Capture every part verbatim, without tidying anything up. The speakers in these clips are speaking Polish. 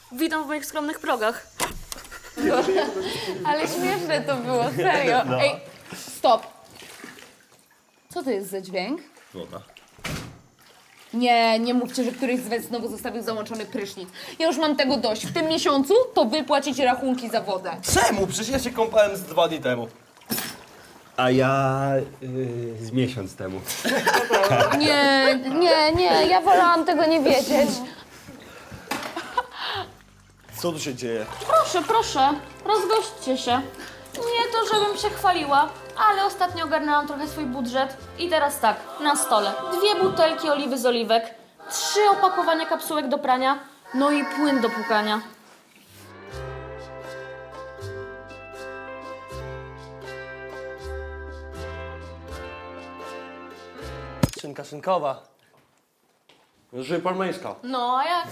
Witam w moich skromnych progach. Ale śmieszne to było, serio. No. Ej, stop. Co to jest za dźwięk? Woda. Nie, nie mówcie, że któryś z was znowu zostawił załączony prysznic. Ja już mam tego dość. W tym miesiącu to wy płacicie rachunki za wodę. Czemu? Przecież ja się kąpałem z dwa dni temu. A ja yy, z miesiąc temu. Nie, nie, nie, ja wolałam tego nie wiedzieć. Co tu się dzieje? Proszę, proszę, rozgośćcie się. Nie to, żebym się chwaliła, ale ostatnio ogarnęłam trochę swój budżet. I teraz tak, na stole dwie butelki oliwy z oliwek, trzy opakowania kapsułek do prania, no i płyn do płukania. Szynka szynkowa. Żyje parmeńska. No a jak?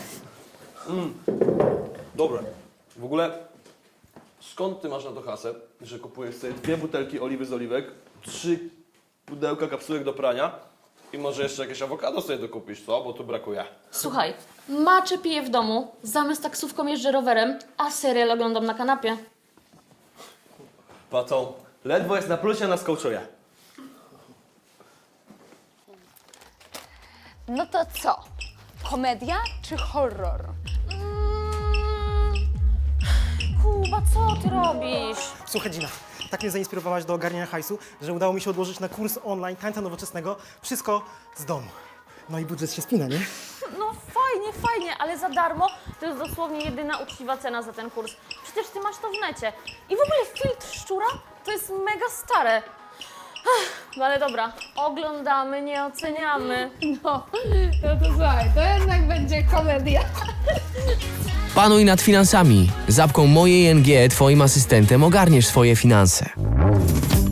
Dobre. W ogóle, skąd ty masz na to hasę, że kupujesz sobie dwie butelki oliwy z oliwek, trzy pudełka kapsułek do prania i może jeszcze jakieś awokado sobie dokupisz, co? Bo tu brakuje. Słuchaj, maczę piję w domu, zamiast taksówką jeżdżę rowerem, a serial oglądam na kanapie. Płacą. Ledwo jest na plusie, na skołczuje. No to co? Komedia czy horror? Mm, Kuba, co ty robisz? Słuchaj, Gina, tak mnie zainspirowałaś do ogarniania hajsu, że udało mi się odłożyć na kurs online tańca nowoczesnego wszystko z domu. No i budżet się spina, nie? No fajnie, fajnie, ale za darmo to jest dosłownie jedyna uczciwa cena za ten kurs. Przecież ty masz to w necie. I w ogóle filtr szczura to jest mega stare. Ech, no ale dobra, oglądamy, nie oceniamy. No, no to słuchaj, to jednak będzie komedia. Panuj nad finansami. Z apką Moje I N G, twoim asystentem, ogarniesz swoje finanse.